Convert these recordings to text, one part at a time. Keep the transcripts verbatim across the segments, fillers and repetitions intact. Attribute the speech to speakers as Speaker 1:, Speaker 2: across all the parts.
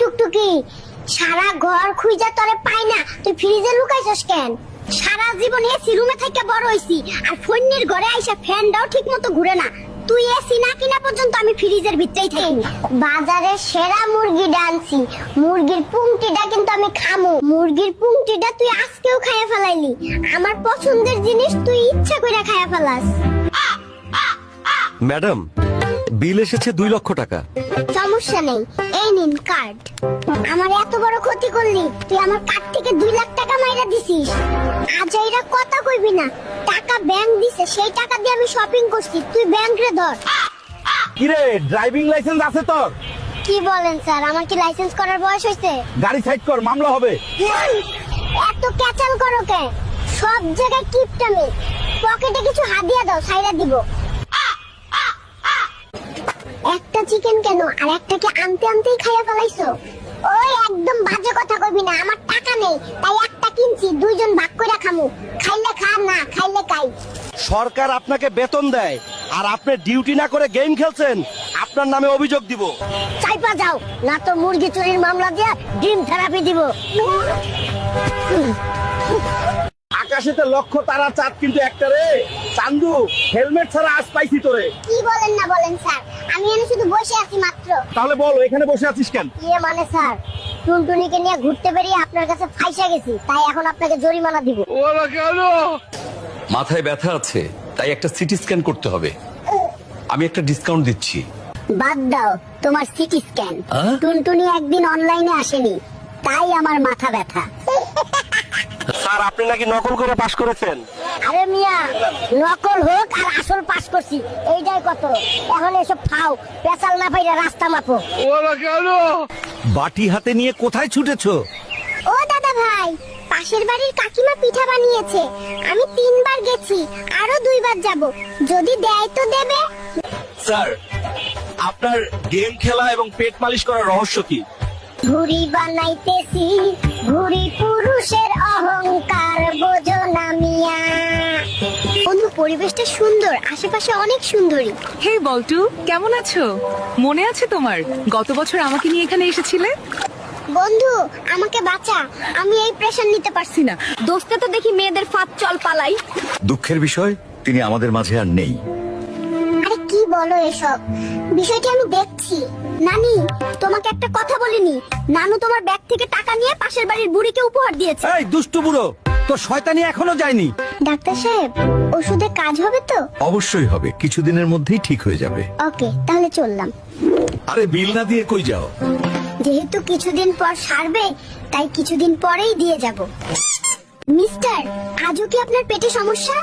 Speaker 1: টুকটুকি, সারা ঘর খুঁজা তরে পাই না, তুই ফ্রিজে লুকাইছস কেন? সারা জীবন এসি রুমে থেকে বড় হইছি, আর ফোনের ঘরে আইসা ফ্যানটাও ঠিক মতো ঘুরে না। তুই এসি না কিনা পর্যন্ত আমি ফ্রিজের ভিতরেই থাকি। বাজারে সেরা মুরগি ডানছি, মুরগির পুংটিটা কিন্তু আমি খামু। মুরগির পুংটিটা তুই আজকেও খাইয়া ফেলাইলি। আমার পছন্দের জিনিস তুই ইচ্ছা করে খাইয়া ফেলাস।
Speaker 2: ম্যাডাম, বিল এসেছে দুই লক্ষ টাকা।
Speaker 1: সমস্যা নেই, এই নিন কার্ড। আমার এত বড় ক্ষতি করলি, তুই আমার কার্ড থেকে দুই লাখ টাকা মাইরা দিছিস। আজ এরা কথা কইবি না, টাকা ব্যাংক দিছে, সেই টাকা দিয়ে আমি শপিং করছি, তুই ব্যাংক রে ধর।
Speaker 3: কিরে, ড্রাইভিং লাইসেন্স আছে তোর?
Speaker 1: কি বলেন স্যার, আমার কি লাইসেন্স করার বয়স হয়েছে?
Speaker 3: গাড়ি সাইড কর, মামলা হবে।
Speaker 1: এত ক্যাচাল করো কে? সব জায়গায় কিপটামি। পকেটে কিছু হাদিয়া দাও, সাইরা দিব। একটা চিকেন কেন, আর একটাকে আনতে আনতেই খাইয়া ফেলাইছো? ওই একদম বাজে কথা কইবি না, আমার টাকা নেই তাই একটা কিনছি, দুইজন ভাগ কইরা খামু। খাইলে খা, না খাইলে খাই।
Speaker 2: সরকার আপনাকে বেতন দেয় আর আপনি ডিউটি না করে গেম খেলছেন, আপনার নামে অভিযোগ দিব।
Speaker 1: চাইপা যাও, না তো মুরগি চুরির মামলা দিয়া ড্রিম থেরাপি দিব।
Speaker 3: আকাশেতে লক্ষ তারা, চাঁদ কিন্তু একটা রে। চান্দু, হেলমেট ছাড়া আজ পাইছি তোরে।
Speaker 1: কি বলেন না বলেন স্যার, আমি এখানে শুধু বসে আছি মাত্র।
Speaker 3: তাহলে বল, এখানে বসে আছিস কেন?
Speaker 1: ইয়ে মানে স্যার, টুনটুনিকে নিয়ে ঘুরতে বেরিয়ে আপনার কাছে ফাইসা গেছি, তাই এখন আপনাকে জরিমানা দিব।
Speaker 3: ওরা কেন?
Speaker 4: মাথায় ব্যথা আছে, তাই একটা সিটি স্ক্যান করতে হবে। আমি একটা ডিসকাউন্ট দিচ্ছি।
Speaker 1: বাদ দাও তোমার সিটি স্ক্যান।
Speaker 4: আহ?
Speaker 1: টুনটুনি একদিন অনলাইনে আসেনি, তাই আমার মাথা ব্যথা।
Speaker 2: স্যার, আপনি নাকি নকল করে পাশ করেছেন।
Speaker 1: আরে মিয়া, নকল হোক আর আসল পাস করছি, এইটাই কত। এখন এসব খাও, পেছাল না পাইরা রাস্তা মাপো।
Speaker 3: ওরা কেন?
Speaker 2: বাটি হাতে নিয়ে কোথায় ছুটেছো?
Speaker 1: ও দাদা ভাই, পাশের বাড়ির কাকিমা পিঠা বানিয়েছে, আমি তিনবার গেছি, আরো দুইবার যাব, যদি দেয় তো দেবে।
Speaker 2: স্যার, আপনার গেম খেলা এবং পেট মালিশ করার রহস্য কি?
Speaker 1: ঘুড়ি বানাইতেছি, ঘুড়ি পুরুষের অহংকার বোঝো না মিয়া। বন্ধু, পরিবেশটা সুন্দর, আশেপাশে অনেক সুন্দরী।
Speaker 5: হে বল্টু, কেমন আছো? মনে আছে তোমার গত বছর আমাকে নিয়ে এখানে এসেছিলে?
Speaker 1: বন্ধু আমাকে বাঁচা, আমি এই প্রেশার নিতে পারছি না। দোস্তে তো দেখি মেয়েদের ফাঁদ, চল পালাই।
Speaker 4: দুঃখের বিষয়, তিনি আমাদের মাঝে আর নেই।
Speaker 1: আরে কি বলো এসব, বিষয়টি আমি দেখছি। নানি, তোমাকে একটা কথা বলিনি, নানু তোমার ব্যাগ থেকে টাকা নিয়ে পাশের বাড়ির বুড়িকে উপহার দিয়েছে।
Speaker 2: এই দুষ্টু বুড়ো, তোর শয়তানি এখনো যায়নি।
Speaker 1: ডাক্তার সাহেব, ওষুধে কাজ হবে তো?
Speaker 4: অবশ্যই হবে, কিছুদিনের মধ্যেই ঠিক হয়ে যাবে।
Speaker 1: ওকে, তাহলে চললাম।
Speaker 4: আরে বিল না দিয়ে কই যাও?
Speaker 1: যেহেতু কিছুদিন পর সারবে, তাই কিছুদিন পরেই দিয়ে যাব। মিস্টার, আজও কি আপনার পেটে সমস্যা?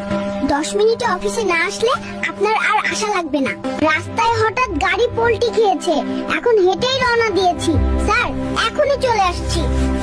Speaker 1: দশ মিনিটে অফিসে না আসলে আপনার আর আশা লাগবে না। রাস্তায় হঠাৎ গাড়ি পল্টি খেয়েছে, এখন হেঁটেই রওনা দিয়েছি। স্যার, এখনই চলে আসছি।